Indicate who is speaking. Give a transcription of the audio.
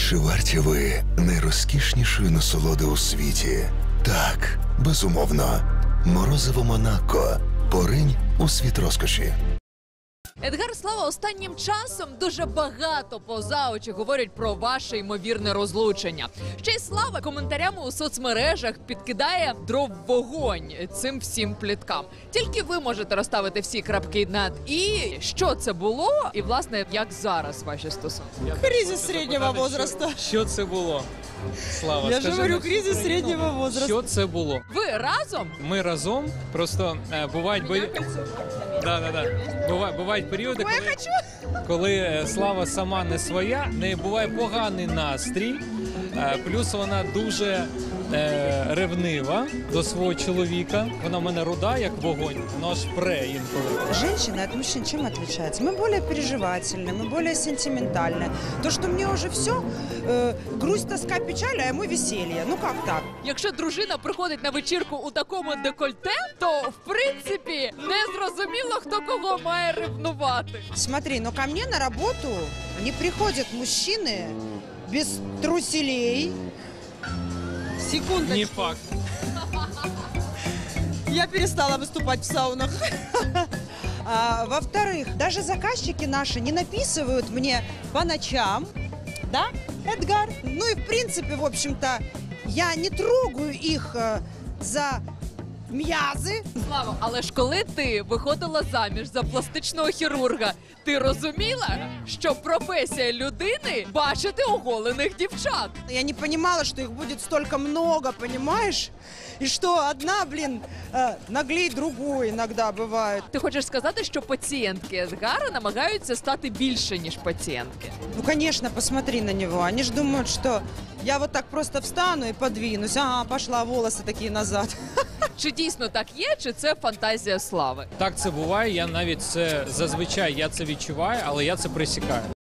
Speaker 1: Чи варті ви найрозкішнішої насолоди у світі? Так, безумовно. Морозиво Монако. Поринь у світ розкоші.
Speaker 2: Едгар Слава останнім часом дуже багато поза очі говорять про ваше ймовірне розлучення. Ще й Слава коментарями у соцмережах підкидає дров в вогонь цим всім пліткам. Тільки ви можете розставити всі крапки над «і». Що це було і, власне, як зараз ваші стосунки?
Speaker 3: Кризис среднего возраста.
Speaker 4: Що це було? Слава,
Speaker 3: Я же
Speaker 4: скажи
Speaker 3: говорю,
Speaker 4: нам,
Speaker 3: кризис среднего возраста.
Speaker 4: що це було?
Speaker 2: Ви разом?
Speaker 4: Ми разом, просто бувають бувають періоди, коли Слава сама не своя, в неї буває поганий настрій, плюс вона дуже ревнива до свого чоловіка. Вона в мене руда, як вогонь, вона аж пре інколи.
Speaker 3: Женщина от мужчин чем отличается? Мы более переживательны, мы более сентиментальны. То, что мне уже все, грусть, тоска, печаль, а ему веселье. Ну как так?
Speaker 2: Якщо дружина приходить на вечірку у такому декольте, то, в принципі, не зрозуміло, хто кого має ревнувати.
Speaker 3: Смотри, но ко мне на работу не приходят мужчины без труселей. Секундочку.
Speaker 4: Не факт.
Speaker 3: Я перестала выступать в саунах. Во-вторых, даже заказчики наши не написывают мне по ночам, да, Эдгар? Ну и в принципе, в общем-то, я не трогаю их за м'язи.
Speaker 2: Слава, але ж коли ти виходила заміж за пластичного хірурга, ти розуміла, що професія людини – бачити оголених дівчат?
Speaker 3: Я не понимала, что их будет столько много, понимаешь? И что одна, наглей другой иногда бывает.
Speaker 2: Ти хочеш сказати, що пацієнтки Едгара намагаються стати більше, ніж пацієнтки?
Speaker 3: Ну, конечно, посмотри на него. Они ж думают, что я вот так просто встану и подвинусь. Ага, пошла, волосы такие назад.
Speaker 2: Чи дійсно так є, чи це фантазія Слави?
Speaker 4: Так це буває, я навіть це зазвичай я це відчуваю, але я це пресікаю.